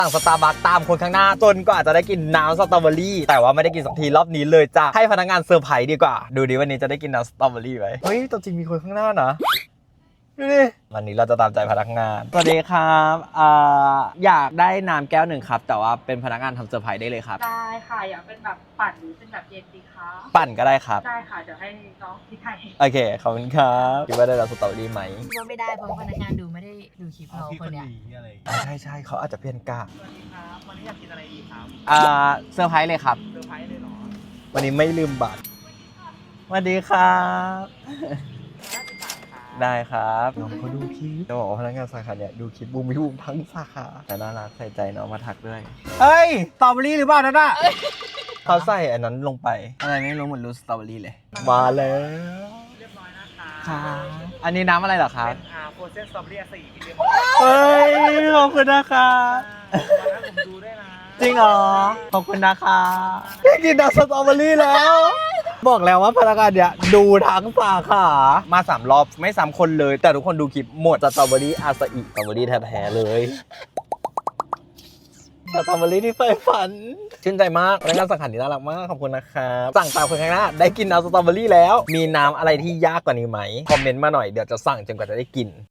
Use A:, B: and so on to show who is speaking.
A: สั่งสตาร์บัคตามคนข้างหน้าจนก็อาจจะได้กินน้ำสตรอเบอรี่แต่ว่าไม่ได้กินสักทีรอบนี้เลยจ้ะให้พนักงานเซอร์ไพรส์ดีกว่าดูดิวันนี้จะได้กินน้ำสตรอเบอรี่ไหมเฮ้ยตัวจริงมีคนข้างหน้านะดูดิวันนี้เราจะตามใจพนักงานสวัสดีครับอยากได้น้ำแก้วหนึ่งครับแต่ว่าเป็นพนักงานทำเซอร์ไพรส์ได้เลยครับ
B: ได้ค่ะอยากเป็นแบบปั่นหรือเป็นแบบเย็นดีคะ
A: ปั่นก็ได้ครับ
B: ได้ค่ะเดี๋ยวให้น้องพี่ไทย
A: โอเคขอบคุณครับคิดว่าได้น้ำสตรอเบอรี่ไหม
C: ว่าไม่ได้เพราะว่าพนักงานดูไม่ได้ดูคลิปเราคนเนี้ย
A: ใช่เขาอาจจะเพี้ยนกล้า
B: สวัสดีครับวันนี้อยากกินอะไรดีครับ
A: เซอร์ไพรส์เลยครับ
B: เซอร์ไพรส์เลยเหรอ
A: วันนี้ไม่ลืมบัตรสวัสดีครับได้ครับน้องเขาดูคลิปจะบอกว่าพนักงานสาขาเนี่ยดูคลิปบูมวิวทั้งสาขาแต่น่ารักใส่ใจน้องมาทักด้วยเฮ้ยสตรอเบอรี่หรือเปล่านั่นน่ะเขาใส่อันนั้นลงไปอะไรไม่รู้เหมือนรูสตรอเบอรี่เลยมาแล้ว
B: เรียบร้อยนะคะ
A: ครับอันนี้น้ำอะไรเหรอครับ
B: เป็นโฟรเซนสตรอเบอรี่4เรียบร้อย
A: เฮ้ยขอบคุณนะครับ
B: วันนั้นผมดูด้วยนะ
A: จริงเหรอขอบคุณนะคะได้กินน้ำสตรอเบอรี่แล้วบอกแล้วว่าพนักงานเนี่ยดูทั้งสาขามา3 รอบไม่ซ้ำคนเลยแต่ทุกคนดูคลิปหมดสตรอเบอรี่อาซาอิสตรอเบอรี่แท้ๆเลยสตรอเบอรี่ที่ใฝ่ฝันชื่นใจมากพนักงานสาขานี้น่ารักมากขอบคุณนะครับสั่งตามคนข้างหน้าได้กินน้ำสตรอเบอรี่แล้วมีน้ำอะไรที่ยากกว่านี้ไหมคอมเมนต์มาหน่อยเดี๋ยวจะสั่งจนกว่าจะได้กิน